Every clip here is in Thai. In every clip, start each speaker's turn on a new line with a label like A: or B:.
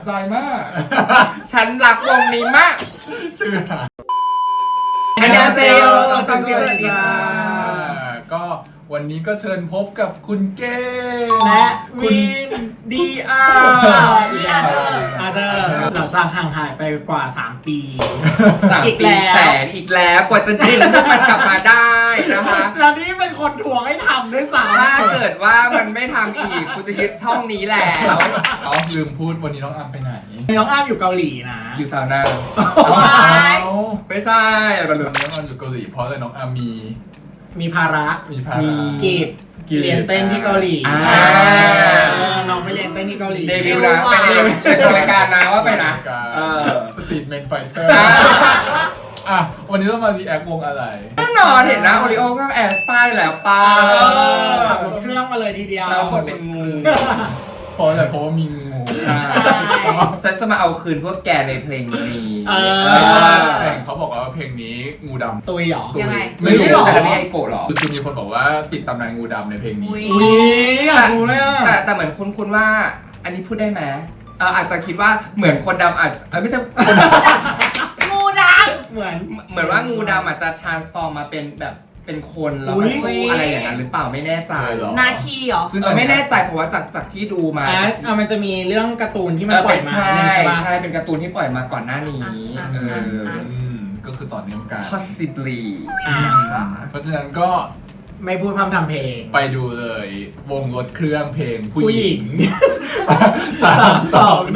A: ใจมาก
B: ฉันรักวงนี้มาก
A: ชื่อ
B: อันยาเซโย
A: สวัสดีค่ะก็วันนี้ก็เชิญพบกับคุณเก้
C: และวินดีอาร์อาเธอร์หลังจากห่างหายไปกว่า 3 ปี
B: 3
C: อีก
B: ปี
C: แล้ว
B: แสนอีกแล้วกว่าจะดึงพวกมันกลับมาได้นะคะ
C: แล้วนี่เป็นคนทวงให้ทำด้วยซ้
B: ถ้าเกิดว่ามันไม่ทำอีกกูจะยึดช่องนี้แหละ
A: อ๋อลืมพูดวันนี้น้องอัมไปไหน
C: ำน้องอ้ามอยู่เกาหลีนะ
B: อยู่ซาวน่า
A: เอา
B: ไม่ใช่เรา
A: ลื
B: ลื
A: ม
B: ม
A: เรื่องมันอยู่เกาหลีเพราะอะไรน้องอัมมี
C: มีภาระ
A: ภาระ
C: กีบเรียนเต้นที่เกาหลี
B: อ่า
C: ใช่น้องไปเรียนเต้นที่เกาหลี
B: เดบิวต์นะไปในรายการนะว่าไปนะ
A: สตรีทเมนไฟเตอร์
B: อ่า
A: อ่ะวันนี้ต้องมารีแอควงอะไร
B: แน่นอนเห็นนะโอริโอก็แอบป้ายแล้วป้า
C: ขับรถเครื่องมาเลยทีเดียว
B: ชาวคนเป็นงู
A: เพราะว่ามีงู
B: ฉันจะมาเอาคืนพวกแกในเพลงนี้
A: เพลงเขาบอกว่าเพลงนี้งูดำ
C: ตุยเหรอ
D: ยังไง
A: ไม่รู้
C: หรอ
B: แต่ไม่ไอโกะหรอ
A: คือมีคนบอกว่าติดตำนานงูดำในเพลงนี้
D: อุ๊ย
C: อุ้ยอยากรู้เลยอ่ะ
B: แต่เหมือนคุ้นๆว่า อันนี้พูดได้ไหมอาจจะคิดว่าเหมือนคนดำอาจไม่ใช่
D: งูดัง
C: เหมือน
B: เหมือนว่างูดำอาจจะ transform มาเป็นแบบเป็นคนแล้ว
C: อุ๊
B: มาย สู้อะไรอย่างนั้นหรือเปล่าไม่แน่ใจ
A: เหรอ
D: นาคีเหรอ
A: ซึ่ง
B: ไม่แน่ใจเพราะว่าจากที่ดูมา
C: มันจะมีเรื่องการ์ตูนที่มันปล่อยมา
B: ใช่
C: ใช่ปะ
B: ใช่เป็นการ์ตูนที่ปล่อยมาก่อนหน้านี้
D: อ่ะ
B: เออ
A: ก็คือต่อเนื่องกัน
B: possibly
C: อ่า
A: เพราะฉะนั้นก็
C: ไม่พูดพร่ำทำเพลง
A: ไปดูเลย วงรถเครื่องเพลงผู้
C: ผู้
A: ห
C: ห
A: ญิ
C: ญิ
A: ง
C: ง
A: 3 2 1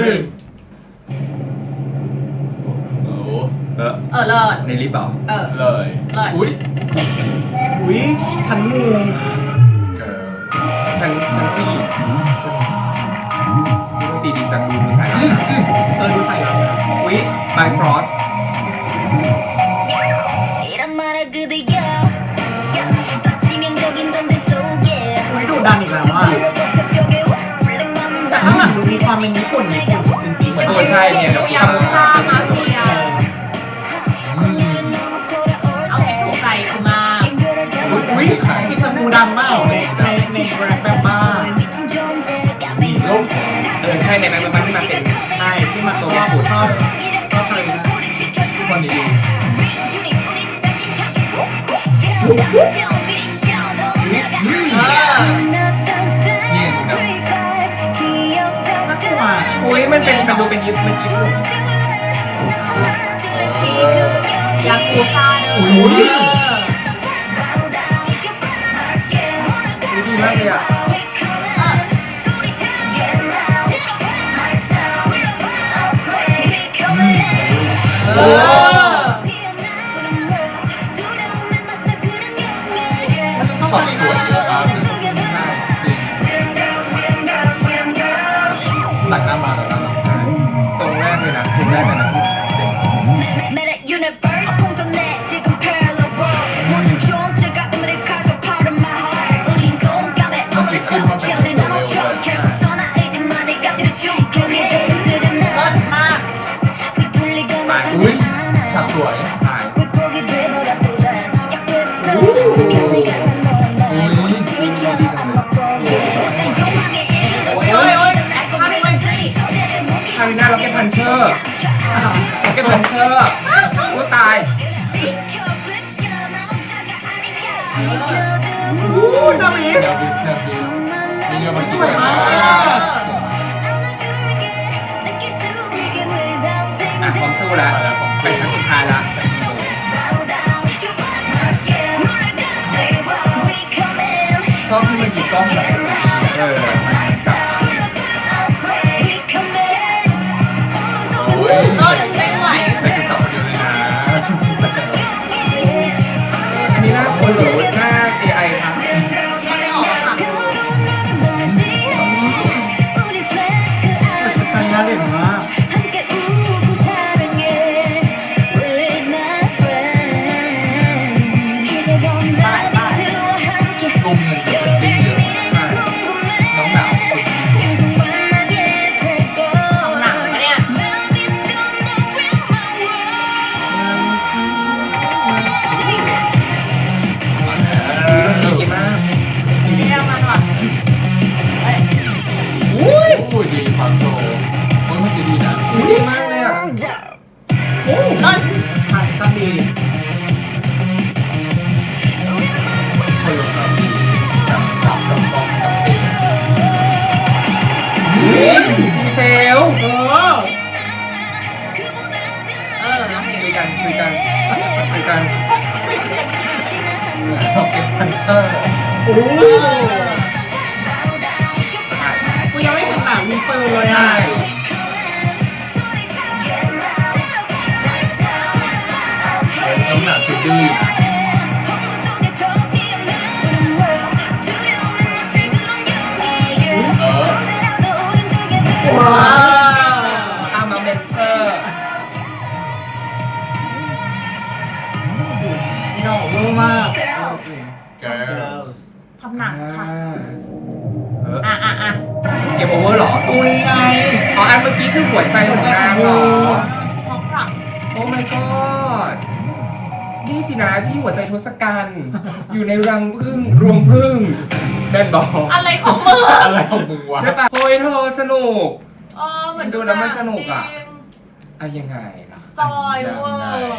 A: โอ้
B: เออ
D: เลิศ
B: ในลิฟต์เหรอ
A: เลย
D: เลย
A: อุ้ย
C: อุ้ยฉันงู
A: เกิร์ล
B: ฉันผู้หญิงตีดีจังดูใส่แล้ว
C: ดูใส่เราเลย
B: อุ้ย My Frost
E: 이런 말을 그대여 더 치명적인 전제 속에
C: อุ้ยดูดันอีกแล้วอ่ะ แต่ข้างหลังดูมีความเป็นญี่ปุ่นจริงๆ
B: โอ้ใช่เนี่ยเดี๋ยว
D: ยากุซ่ามาเฟียเอาให้ถูกใจกูมาก
C: อุ้ยอิสมูดังมากในแรปแบบบ้า
A: มีโลก
B: ใช่ในมันที่มาเป็น
C: ใช่ที่มาตัวบุตรก็เคยนะ
A: วันนี้ดูนี่งูดำ
C: น่ากลัว
B: อุ้ยมันดูเป็นญี่ปุ่น
D: ยากูซ่าเด้อ
B: อุ้ย ดีมากเลยอ่ะ
D: เออ
A: ช็อตสวยเยอะมากจริงตักหน้ามาแล้วนะ
B: ทรงแรกเลยนะเพลงแรกเลยนะที่เด็ก
E: Universe 공존해 지금 parallel world 모든 존재가 의미를 가져 part of my heart 우린 공감해 오늘의 숨을 채우는 나눠줘 결국 선하이지만 내 가치를 죽여 내 자신들은
D: เลิศมาก
E: 휘둘리고
A: อุ้ย
E: 나타나
A: ฉากสวย
B: ตาย
E: 왜곡이 되더라 또 다시 시작됐어 편을 가는 너와 날 고립시켜 안 먹고 어떤 욕망에 이르러
D: โอ้ยโอ้ยแอคชั่นด้วย
B: คาริน่าล็อกเก็ตพันเชอร์ล็อกเก็ตพันเชอร์กูตาย
C: อู้นามิส
A: เนวิสนี่ก็มา
C: ส
A: คิด
C: วย
A: กัน
C: มาก
B: อ่ะพร้อมสู้แล้วไปครั้งสุดท้ายแล้ว ชอบที่มันมีกล้องแบบมันจับ
A: อุ้ย
D: เลิศไม่ไหว
A: ใส่ชุดขาวคนเดียวเลยนะ
B: อันนี้หน้าคนหรือหน้า AI ครับ
D: ไม่ได้ออกค่ะ
C: ใส่หน้าเด่นมาก
E: 함께 웃고 사랑해 with my friend 이제 건 나비스와 함께
A: ตุ้มเงินเป็นเยอะน้องหนาวสุดสุด
D: หนังปะเนี่ย
B: ดีมาก
D: เรียกมันว่ะ
A: อุ้ยดีฟาโซโอ้ยมันจะดีน
C: ดี
A: คนลงครับกับกล้องกับเพลง
B: เฟล
C: เออ
B: คุยกันคุยกันคุยกัน
A: ร็อกเก็ตพันเชอร์
C: โอ้กูยังไม่เห็นหนังมีปืนเลยอ่ะ
A: น้ำหนักชุดดื้อ
C: ว้าว
B: อามาเมนเซอร์
C: นี่หล่อเวอร์มาก
A: เกิร์ล
D: ทำหนังค่ะ
B: อ่ะ
D: อ่ะ
B: เกมโอเวอร์เหรอ
C: ตุยไง
B: อ๋ออันเมื่อกี้คือหัวใจของนางเหรอ
D: พอปรับ
B: โอ้ my god นี่สินะที่หัวใจทศกัณฐ์ อยู่ในรังผึ้งรวงผึ้งแบนบอก
D: อะไรของมึง
A: อะไรของมึงวะ
B: ใช่ปะโอ้ยเธอสนุก
D: เหมือน
B: ดูแล้วมันสนุกอะ
D: จริง
B: อะยังไงล่ะ
D: จอยเวอร์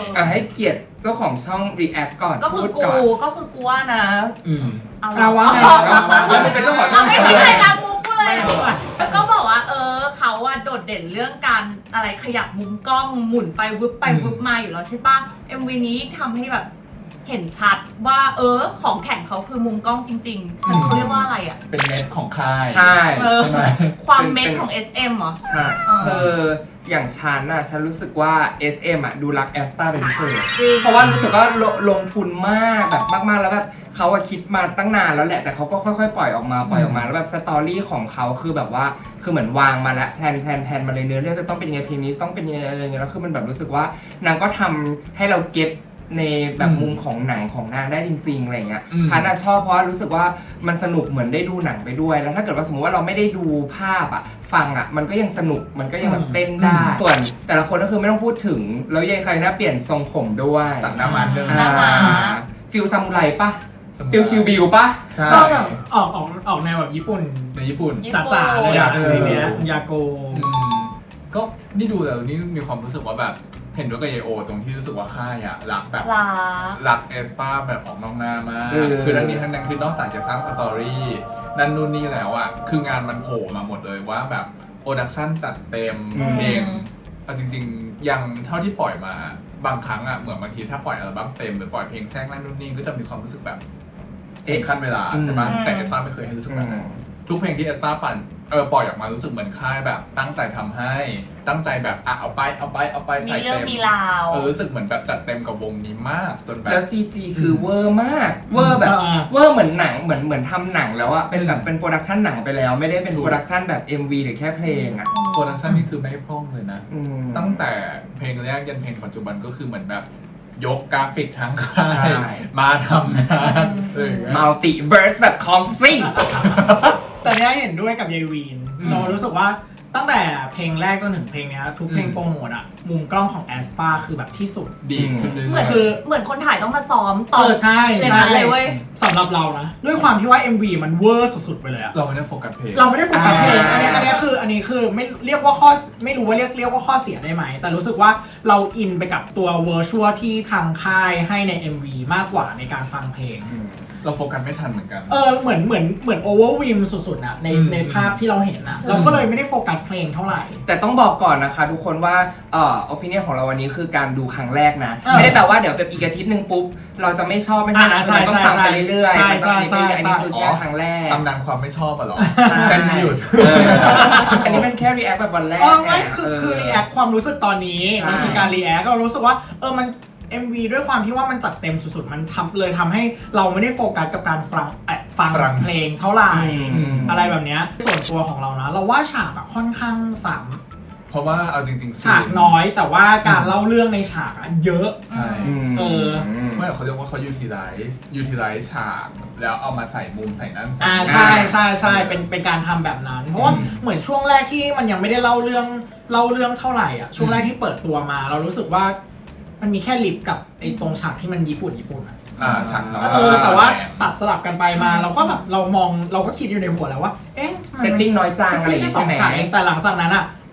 B: ให้เกียรติเจ้าของช่อง react ก่อน
D: ก็คือ
B: พูด
D: กู
B: ก่อน
D: ว่านะ
C: เอาวะไง
B: แล้วไม่เป็นเจ้าของช่
D: เรา
B: อง
D: ไม่
B: เล
D: มี
B: ย
D: ใครรับมุกกูเลยแล้วก็บอกว่าเขาอะโดดเด่นเรื่องการอะไรขยับมุมกล้องหมุนไปวึบไปวึบมาอยู่แล้วใช่ปะ MV นี้ทำให้แบบเห็นชัดว่าของแข่งเขาคือมุมกล้องจริงๆฉันเขาเรียกว่าอะไรอะ
A: เป็นเม็ดของค่าย
B: ใช่
A: ใช่ไหม
D: ความเม็ดของ SM เหรอ
B: ใช่คืออย่างฉันน่ะฉันรู้สึกว่า SM อ่ะดูรักแอสตาเป็นพิเศษเพราะว่ารู้สึกว่าลงทุนมากแบบมากๆแล้วแบบเขาอะคิดมาตั้งนานแล้วแหละแต่เขาก็ค่อยๆปล่อยออกมาแล้วแบบสตอรี่ของเขาคือแบบว่าคือเหมือนวางมาแล้วแพลนมาเลยเนื้อเรื่องจะต้องเป็นยังไงเพลงนี้ต้องเป็นยังไงอะไรเงี้ยแล้วคือมันแบบรู้สึกว่านางก็ทำให้เราเก็ตในแบบมุมของหนังของนางได้จริงๆอะไรเงี้ยฉันอะชอบเพราะรู้สึกว่ามันสนุกเหมือนได้ดูหนังไปด้วยแล้วถ้าเกิดว่าสมมติว่าเราไม่ได้ดูภาพอะฟังอะมันก็ยังสนุกมันก็ยังแบบเต้นได้ส่วนแต่ละคนก็คือไม่ต้องพูดถึงแล้วยายใครน่าเปลี่ยนทรงผมด้วย
A: ตัดหน้ามันเดิม
D: หน้าม้า
B: ฟิลซามูไรปะฟิลคิวบิวปะ
A: ใช่
C: ก็แบบออกแนวแบบญี่ปุ่น
A: ในญี่ปุ่น
C: จ๋าๆเลยอะอะไรเนี้ยยาโก
A: ก็นี่ดูแล้วนี่มีความรู้สึกว่าแบบเห็นด้วยกับเยโอตรงที่รู้สึกว่าค่ายอะรักแบบ รักเอสปาแบบออกนอกหน้ามาก คือทั้งนี้ทั้งนั้นคือนอกจากจะสร้างสตอรี่นั่นนู่นนี่แล้วอะคืองานมันโผล่มาหมดเลยว่าแบบโปรดักชั่นจัดเต็มเพลงเอาจริงๆยังเท่าที่ปล่อยมาบางครั้งอะเหมือนบางทีถ้าปล่อยอัลบั้มเต็มหรือปล่อยเพลงแทรกนั่นนู่นนี่ก็จะมีความรู้สึกแบบขั้นเวลาใช่ไหมแต่เอสปาไม่เคยให้รู้สึกแบบนั้นทุกเพลงที่เอสปาปล่อยออกมารู้สึกเหมือนค่ายแบบตั้งใจทำให้ตั้งใจแบบเอาไปใส่
D: มีเรื่อ
A: เต็
D: ง
A: ม
D: มีราว
A: รู้สึกเหมือนแบบจัดเต็มกับวงนี้มากจนแบบ
B: แล้ว CG คือเวอร์มากเวอร์แบบเวอร์เหมือนหนังเหมือนทำหนังแล้วอะเป็นแบบเป็นโปรดักชันหนังไปแล้วไม่ได้เป็นโปรดักชันแบบ MV หรือแค่เพลงอะ
A: โปรดักชันนี่คือไม่พร่องเลยนะ ตั้ง
B: ม
A: แต่เพลงแรกยันเพลงปัจจุบันก็คือเหมือนแบบยกกราฟิกทั้งค่า
B: ใช่
A: ยมาทำงาน
B: มัลติเวิร์สแบบคอมซิ่ง
C: แต่เนี้ยเห็นด้วยกับยายวีนเรารู้สึกว่าตั้งแต่เพลงแรกจนถึงเพลงเนี้ยทุกเพลงโปรโมทอะมุมกล้องของแอสปาคือแบบที่สุด
A: ดีขึ้นเรื่
D: เหมื
A: อ
D: อน
A: ย
C: คือ
D: เหมือนคนถ่ายต้องมาซ้อมต่อ
C: ใช่
D: อย่าง
C: ใช่
D: นั้นเลยเว้ย
C: สำหรับเรานะด้วยความที่ว่า MV มันเวอร์สุดๆไปเลยอะ
A: เราไม่ได้โฟกัสเพลง
C: เราไม่ได้โฟกัสเพลงอันนี้คือไม่เรียกว่าข้อไม่รู้ว่าเรียกว่าข้อเสียได้ไหมแต่รู้สึกว่าเราอินไปกับตัวเวอร์ชวลที่ทางค่ายให้ใน MV มากกว่าในการฟังเพลง
A: เราโฟกัสไม่ทันเหมือนกัน
C: เหมือนโอเวอร์วิมสุดๆนะในภาพที่เราเห็นนะเราก็เลยไม่ได้โฟกัสเพลงเท่าไหร่
B: แต่ต้องบอกก่อนนะคะทุกคนว่าopinion ของเราวันนี้คือการดูครั้งแรกนะ
C: เออ
B: ไม่ได้แปลว่าเดี๋ยวแบบอีกอาทิตย์หนึ่งปุ๊บ เราจะไม่ชอบไม่ใช่นะ
C: ใช่
B: มันต้องฟังไปเรื่อยๆ
C: ใช่
B: มันต้อง
C: ใช่
B: อันนี้คือ
C: ใช่
B: แค่ครั้งแรก
A: ตำนานความไม่ชอบอะเหรอ
B: ใช่
A: กันไม่หยุด
B: อันนี้มันแค่ react แบบวันแรก
C: ไม่คือรีแอคความรู้สึกตอนนี้
B: ใช่
C: มันคือการรีแอคเรารู้สึกว่ามัน MV ด้วยความที่ว่ามันจัดเต็มสุดๆมันทำให้เราไม่ได้โฟกัสกับการฟังเพลงเท่าไหร่อะไรแบบเนี้ยส่วนตัวของเรานะเราว่าฉากอะค่อนข้างซ้ำ
A: เพราะว่าเอาจริงๆ
C: ฉากน้อยแต่ว่าการเล่าเรื่องในฉากอะเยอะ
A: ใช่ ไม่เขาเรียกว่าเขาutilize ฉากแล้วเอามาใส่มุมใส่นั่นใส่นี่
C: ใช่เป็นการทำแบบนั้น เพราะว่าเหมือนช่วงแรกที่มันยังไม่ได้เล่าเรื่องเท่าไหร่อ่ะช่วงแรกที่เปิดตัวมา เรารู้สึกว่ามันมีแค่ลิปกับไอ้ตรงฉากที่มันญี่ปุ่นอ่ะ
A: ฉากน้อย
C: แต่ว่าตัดสลับกันไปมาเราก็แบบเราก็คิดอยู่ในหัวแล้วว่าเอ๊ะ
B: เซตติ้งน้อยจังอะไรอย่าง
C: แค่
B: งี้
C: สอ
B: ใช่
C: ง
B: ไหม
C: ฉากเองแต่หลังจากนั้นอ่ะ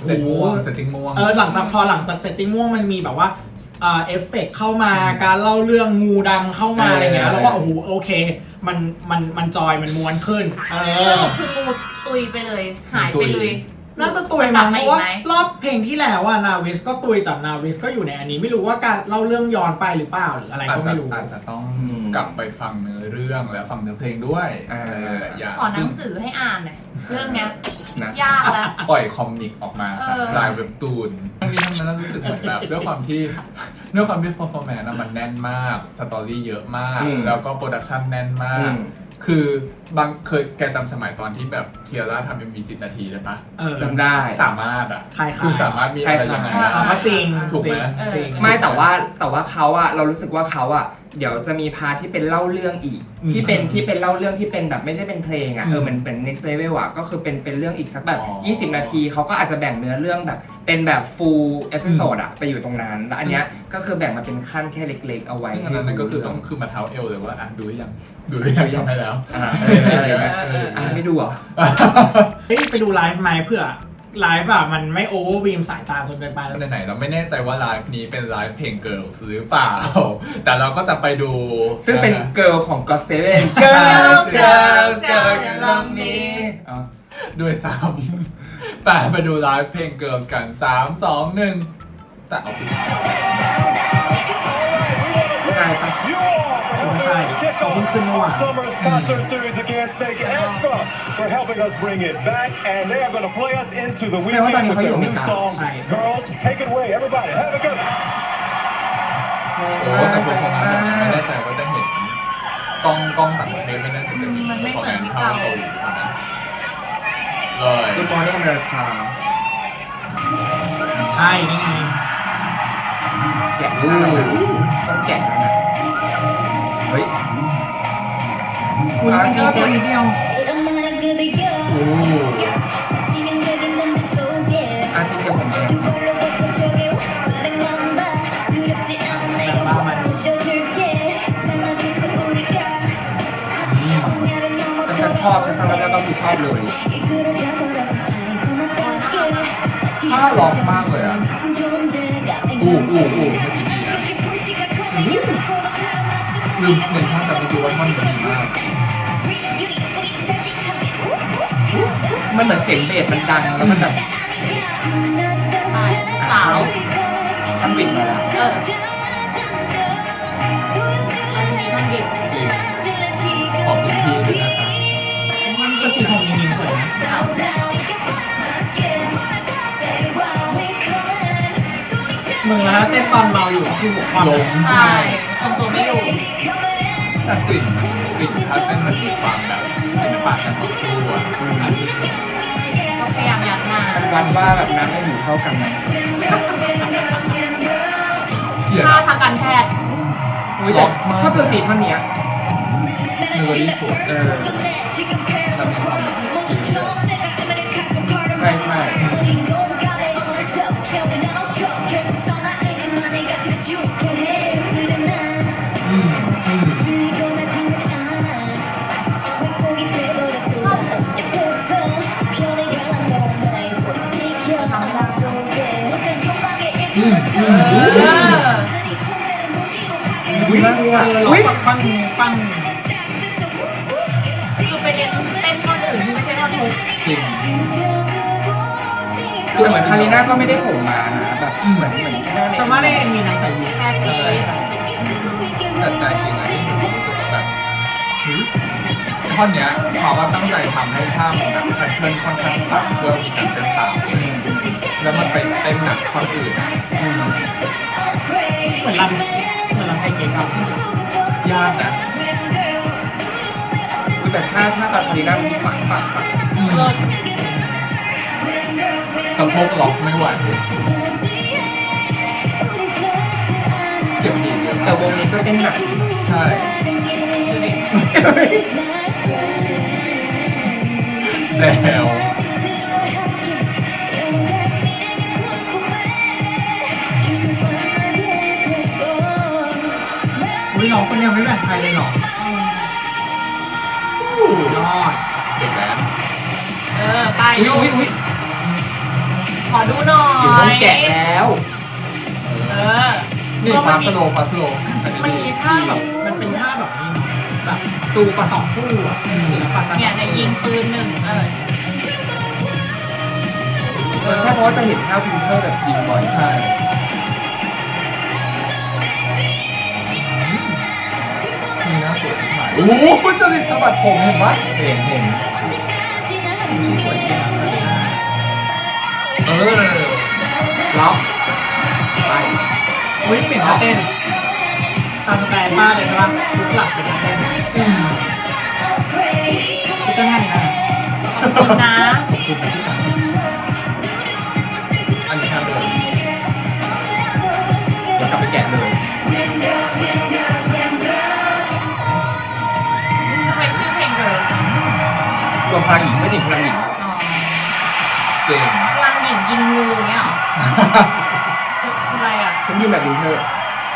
A: เซตม่วงเซตติ้งม่วง
C: หลังจากเซตติ้งม่วงมันมีแบบว่าเอฟเฟกต์เข้ามาการเล่าเรื่องงูดำเข้ามาอะไรเงี้ยแล้วก็โอเคมันจอยมันม้วนขึ้น
D: คืองูตุยไปเลยหายไปเลย
C: น่าจะตุยมั้งเพราะว่ารอบเพลงที่แล้วนาวิสก็ตุยแต่นาวิสก็อยู่ในอันนี้ไม่รู้ว่าการเล่าเรื่องย้อนไปหรือเปล่าหรืออะไรก็ไม่รู้
A: อาจจะต้องกลับไปฟังเนื้อเรื่องและฟังเนื้อเพลงด้วย
D: ขอหนังสือให้อ่านหน่อยเรื่องเนี้ยยากแล้ว
A: ปล่อยคอมิกออกมาสไตล์เว็บตูนทั้งนี้ทั้งนั้นรู้สึกเหมือนแบบด้วยความที่ performance มันแน่นมากสตอรี่เยอะมากแล้วก็โปรดักชันแน่นมากคือบางแกจำสมัยตอนที่แบบเทียร่าทำ MV 10 นาทีได้ปะ
B: จำได้
A: สามารถคือสามารถมีอะไรยังไง
C: ก็จริง
A: ถูกไหม
C: จริง
B: ไม่แต่ว่าเขาอะเรารู้สึกว่าเขาอะเดี๋ยวจะมีพาร์ทที่เป็นเล่าเรื่องอีกที่เป็นเล่าเรื่องที่เป็นแบบไม่ใช่เป็นเพลงอะเหมือนเป็น next level อะก็คือเป็นเรื่องอีกสักแบบ20 นาทีเขาก็อาจจะแบ่งเนื้อเรื่องแบบเป็นแบบ full episode อะไปอยู่ตรงนั้นแล้วอันเนี้ยก็คือแบ่งมาเป็นขั้นแค่เล็กๆเอาไว้
A: ซึ่งอันนั้นก็คือต้องคือมาเท้าเอวเลยว่าดูยังทำให้แล้ว
B: ไม่ดูอ่ะ
C: ไปดูไลฟ์ไหมเพื่อไลฟ์มันไม่โอเวอร์วีมสายตาจนเกินไปแล้ว
A: ไหนเราไม่แน่ใจว่าไลฟ์นี้เป็นไลฟ์เพลง Girls หรือเปล่าแต่เราก็จะไปดู
B: ซึ่งเป็น Girl ของ God7 Girls
E: Love Me
A: ด้วยซ้ำไปดูไลฟ์เพลง Girls กัน3 2 1แต่เอาไป
B: ใช่ปะ
C: ใช่เขาเพิ่งขึ้นเมื่อวาน
F: Summer's concert series again. Thank aespa for helping us bring it back, and they are going to play us into the weekend with their new song. Girls, take it away, everybody. Have a good one.
A: โอ้แต่ผมไม่แน่ใจว่าจะเห็นกล้องต่างประเทศไม่แน่ใจจะเห็นของแอนภาพเกาหลีนะเลย
B: คือมอร์นิ่งอเมริกา
C: ใช่นี่ไง
B: แกะต้องแกะนะเฮ้ย
C: คุณแค่ตัวนิดเดียว
B: อาร์ติเซียผมเองแต่ฉันชอบฉันฟังแล้วก็คือชอบเลย
A: ถ้าล็อกมากเลยอ่ะลืมเมนชั่นแต่ไม่รู้ว่าท่อนมันดีมาก
B: มันเหมือนเสียงเบสมันดังแล้วมันแบบ
D: สาว
B: ท่านบิดมาแล้ว
D: อันนี้ท่านบิด
A: จริงขอบคุณพี่ด้วยนะคะ
C: ก็สีของยิงสวยนะมึงแล้วเต้นตอนเมาอยู่ก็คือหัวความ
A: ล้ม
D: ใช่ทำตัวไม่อยู่
A: แต่กลิ่นถ้าเป็นมันมีความแบบศิลปะการต่อสู้อ่ะ
D: พยายามยัดมา
B: วัดว่าแบบน้ำไม่อยู่เท่ากันไหม
D: ถ้าทางการแพทย์
B: ชอบดนตรีท่อนนี้
A: เมโลดี้สวยเรามีความแบบ
B: ใช่ใช่
C: อุ้ยอุ้ยปัง
D: คือไปเต้นท่อนอื่นที่ไม่ใช่ท่อนฮุก
A: จริง
B: คือเหมือนคาริน่าก็ไม่ได้ผมมานะแบบเหมือนแค่
C: ชาวบ้านในมีนางใส่วิก
D: ใช่
A: แต่ใจจริงที่มีความรู้สึกแบบท่อนเนี้ยเขาว่าตั้งใจทำให้ท่ามันแบบแพทเทิร์นค่อนข้างสั่นเพื่อการเต้นตามแล้วมันไปเต้นหนักท่อนอื่น
C: เหมือนลำไทยเก๊กอะ
A: ยากนะ
B: แต่ถ้าตอนคาริน่าปัก
A: สะโพกล็อกไม่ไหวเจ็บดีเยอะ
B: แต่วงนี้ก็เต้นหนัก
A: ใช่แซว
C: น้องคนนี้ไม่แบ่งใครเลยหรอสุดยอด
A: เด็กแว้น
D: ไป
B: อุ้ย
A: ส
D: ขอดูหน่อย
B: อยู่ต้องแกะแล้ว
D: เออ
A: นี่ฟาสโลฟาสโล
C: มันมีท่าแบบมันเป็นท่าแบบนี้เนาะแบบสู้ปะต่อสู้อ่ะศิลปะการ
D: เนี่ยในยิงปืนหนึ่ง
B: ใช่เพราะว่าจะเห็นท่าวินเทอร์แบบยิงบ่อย
A: ใช่มีหน้าสวยชิบหายโอ้โหจริตสะบัดผมเห็นปะเห็น
C: ชีสวยจริงอ่ะ
B: ล็อกไป
C: อุ้ยเปลี่ยนท่าเต้นตามสไตล์ป้าเลยใช่ปะลุกหลับเป็นท่าเต้นพี่เต้นท่านี้นะ
D: ขอบคุณนะ
A: อันนี้ท่าเดิม
B: เดี๋ยวกลับไปแกะเลย
D: ทำไมชื่อเพลงเกิร์ล
B: รวมพลังหญิงไม่ติดพลังหญิง
A: เจ๋ง
D: พลังหญิงยิงงูเนี่ยเหรออะไรอ่ะ
B: ฉันยืนแบบวินเทอร์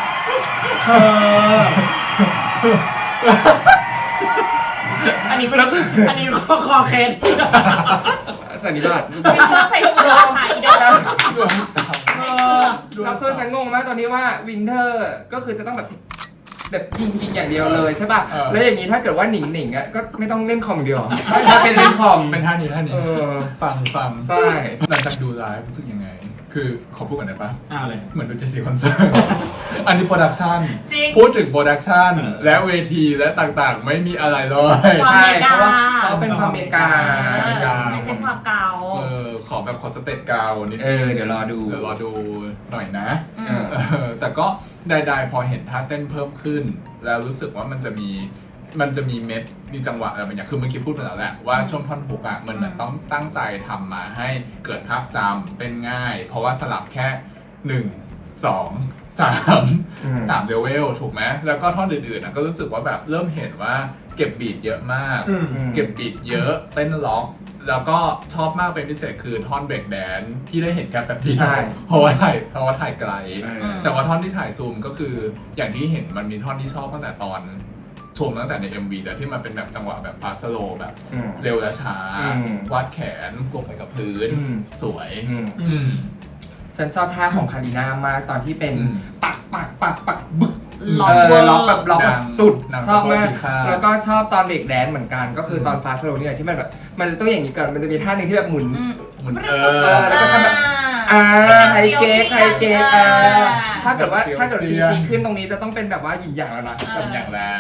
C: อันนี้เป็นอันนี้คอเคส
B: สันนิบาต
D: เป็นเพื่อใส่ฟูรถ่ายอีดอก
A: ดวงสาว
B: เราคือฉันงงมากตอนนี้ว่าวินเทอร์ก็คือจะต้องแบบยิงอย่างเดียวเลยใช่ป่ะ แล้วอย่างนี้ถ้าเกิดว่าหนิงอ่ะก็ไม่ต้องเล่นคอมเดียวถ้าเป็นเล่นคอม
A: เป็นท่านี้ฟัง
B: ใช่
A: หลังจากดูไลฟ์รู้สึกยังไง คือขอพูดก่อนได้ปะ
C: เลย
A: เหมือนดูเจสซี่คอนเสิร์ต อันนี้โปรดักชัน
D: จริง
A: พูดถึงโปรดักชันและเวทีและต่างๆ ไม่มีอะไรเลย
D: ความ
B: ใช่
D: อเมริกา
B: เพราะว่าเขาเป็นความอเมริกา
D: ไม่ใช่ความเก่า
A: ขอแบบขอสเตตเกานิด
B: เดี๋ยวรอดู
A: เดี๋ยวรอดูหน่อยนะ
D: อืม
A: แต่ก็ใดๆพอเห็นท่าเต้นเพิ่มขึ้น แล้วรู้สึกว่ามันจะมีเม็ดมีจังหวะอะไรบางอย่างคือเมื่อกี้พูดไปแล้วแหละว่าช่วงท่อนฮุกอ่ะมันเหมือนต้องตั้งใจทำมาให้เกิดภาพจำเป็นง่าย เพราะว่าสลับแค่ 1 2 3เลเวลถูกไหมแล้วก็ท่อนอื่นๆก็รู้สึกว่าแบบเริ่มเห็นว่าเก็บบีทเยอะมาก เก็บบีทเยอะเต้นล็อก แล้วก็ชอบมากเป็นพิเศษคือท่อนเบรกแดนที่ได้เห็นกันแบบเดียวเพราะว่าถ่ายไกล แต่ว่าท่อนที่ถ่ายซูมก็คืออย่างที่เห็นมันมีท่อนที่ชอบตั้งแต่ตอนชมตั้งแต่ใน MV แต่ที่มันเป็นแบบจังหวะแบบฟาสโลแบบเร็วและช้าวาดแขนกลงไปกับพื้นสวย
B: ฉันชอบท่าของคาริน่ามากตอนที่เป็นปักบึก
D: ล็อก
B: ล็อกแบบล็อกแบบสุด ชอบมาก
A: แล้
B: แล้ว วก็ชอบตอนเบรกแดนเหมือนกันก็คือตอนฟาสโลนี่แหละที่มันแบบมันจะต้องอย่างนี้ก่อนมันจะมีท่าหนึ่งที่แบบหมุน แล้วก็ทำแบบไฮเก๊กถ้าเกิดซีจีขึ้นตรงนี้จะต้องเป็นแบบว่าหยินอย่างแล้วนะ
A: ทำอย่างแล้ว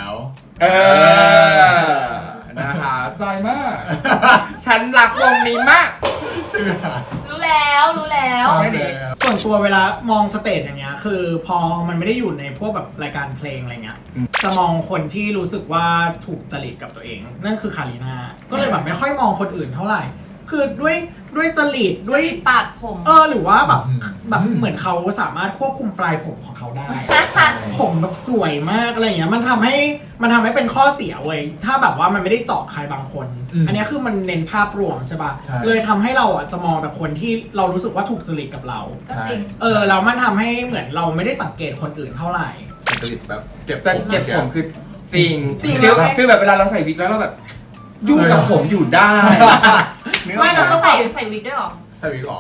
B: นะคะจอยมาก ฉันรักวงนี้มาก
A: ใช่ไหม
D: รู้แล้ว
B: ไม่ดี
C: ส่วนตัวเวลามองสเตจอย่างเงี้ยคือพอมันไม่ได้อยู่ในพวกแบบรายการเพลงอะไรเงี้ยจะมองคนที่รู้สึกว่าถูกจริตกับตัวเอง นั่นคือคาริน่าก็เลยแบบไม่ค่อยมองคนอื่นเท่าไหร่ คือด้วยจริตด้วย
D: ปาดผม
C: หรือว่าแบบเหมือนเขาสามารถควบคุมปลายผมของเขาได้ ผมแบบสวยมากอะไรอย่างเงี้ยมันทำให้เป็นข้อเสียเว้ยถ้าแบบว่ามันไม่ได้เจาะใครบางคน อันนี้คือมันเน้นภาพรวมใช่ป่ะเลยทำให้เราจะมองแต่คนที่เรารู้สึกว่าถูกจริตกับเรา
D: ก็จริง
C: แล้วมันทำให้เหมือนเราไม่ได้สังเกตคนอื่นเท่าไหร่
A: จริตแบบเก็บ
B: แต่เก็บผมคือจริง
C: แล้ว
B: ฟีลแบบเวลาเราใส่วิกแล้วเราแบบยุ่งกับผมอยู่ได้
C: ไม่เราต้อง
D: ใส่วิกด้วยหรอ
A: ใส่วิกหรอ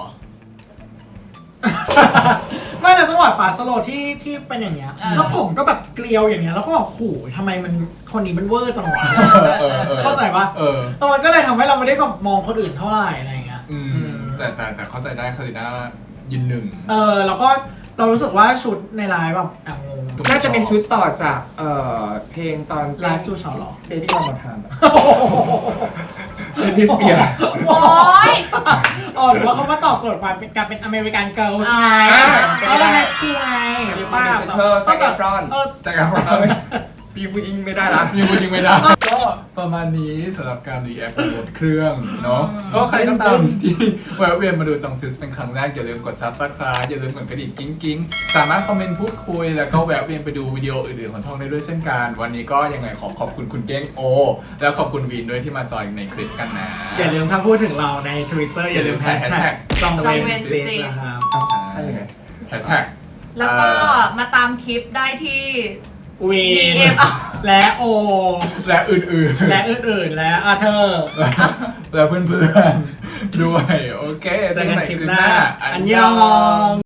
C: ไม่เราจังหวะฟาสโลที่เป็นอย่างเงี้ยแล้วผมก็แบบเกลียวอย่างเงี้ยแล้วก็แบบโหทำไมมันคนนี้มันเวอร์จังวะเข้าใจปะมันก็เลยทำให้เราไม่ได้แบบมองคนอื่นเท่าไหร่อะไรเงี้ย
A: แต่เข้าใจได้คาริน่ายืนหนึ่ง
C: แล้วก็เรารู้สึกว่าชุดในไลฟ์แบบงง
B: น่าจะเป็นชุดต่อจากเพลงตอน
C: ไลฟ์ทูชอหรอ
B: Baby One More Time เป็นดิสเปีย
D: โอ๊ย
C: หรือว่าเขามาตอบโจทย์การเป็นอเมริกันเกิร์ลใช่ไหมไฮสคูลไงหรือเปล่า
B: เธอแซกแอฟรอน
A: แซกแอฟรอน
B: พี่ผู้หญิงไม่ได้ละ
A: มีคนยิงไม่ได้ ก็ประมาณนี้สำหรับการรีแอคบนเครื่องเนาะก็ใครก็ตามที่แวะเวียนมาดูจองซิสเป็นครั้งแรกอย่าลืมกด Subscribe อย่าลืมกดกระดิ่งกิ๊งสามารถคอมเมนต์พูดคุยแล้วก็แวะเวียนไปดูวิดีโออื่นๆของช่องได้ด้วยเช่นกันวันนี้ก็ยังไงขอบคุณคุณเก้งโอแล้วขอบคุณวินด้วยที่มาจอยในคลิปกันนะ
C: อย่าลืมถ้าพูดถึงเราใน Twitter อย่าลืมแฮชแท็กจองเวนซิสนะครับ
A: ใช่ยังไงแฮชแท็ก
D: แล้วก็มาตามคลิปได้ที่
C: วีน
D: DM
C: และโอ
A: และอื่นๆ
C: และอื่นๆและอาเธอร์
A: และเพื่อนด้วยโอเค
C: เจอกันคลิปหน้า
A: อั
C: อั
A: น
C: น
A: ย
C: ย
A: อ
C: อง ง